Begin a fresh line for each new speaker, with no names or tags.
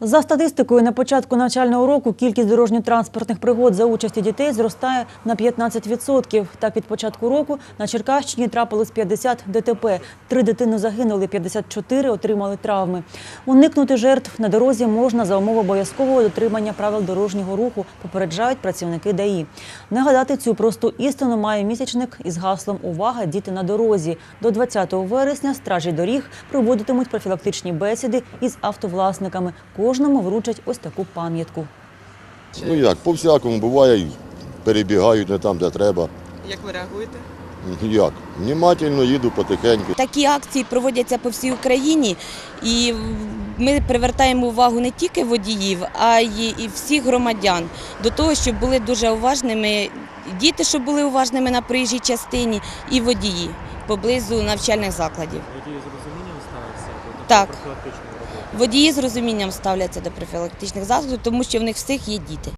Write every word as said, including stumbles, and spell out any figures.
За статистикою, на початку навчального року кількість дорожньо-транспортних пригод за участі дітей зростає на п'ятнадцять відсотків. Так, від початку року на Черкащині трапилось п'ятдесят ДТП. Три дитини загинули, п'ятдесят чотири отримали травми. Уникнути жертв на дорозі можна за умови обов'язкового дотримання правил дорожнього руху, попереджають працівники ДАІ. Нагадати цю просту істину має місячник із гаслом «Увага! Діти на дорозі». До двадцятого вересня стражі доріг проводитимуть профілактичні бесіди із автовласниками. Кожному вручать ось таку пам'ятку.
Ну як, по-всякому буває, перебігають не там, де треба.
Як ви реагуєте?
Як? Внімательно їду потихеньку.
Такі акції проводяться по всій Україні, і ми привертаємо увагу не тільки водіїв, а й і всіх громадян до того, щоб були дуже уважними, діти, щоб були уважними на проїжджій частині, і водії поблизу навчальних закладів.
Водії з розумінням ставляться до
Так.
профілактичної роботи?
Водії з розумінням ставляться до профілактичних заходів, тому що в них всіх є діти.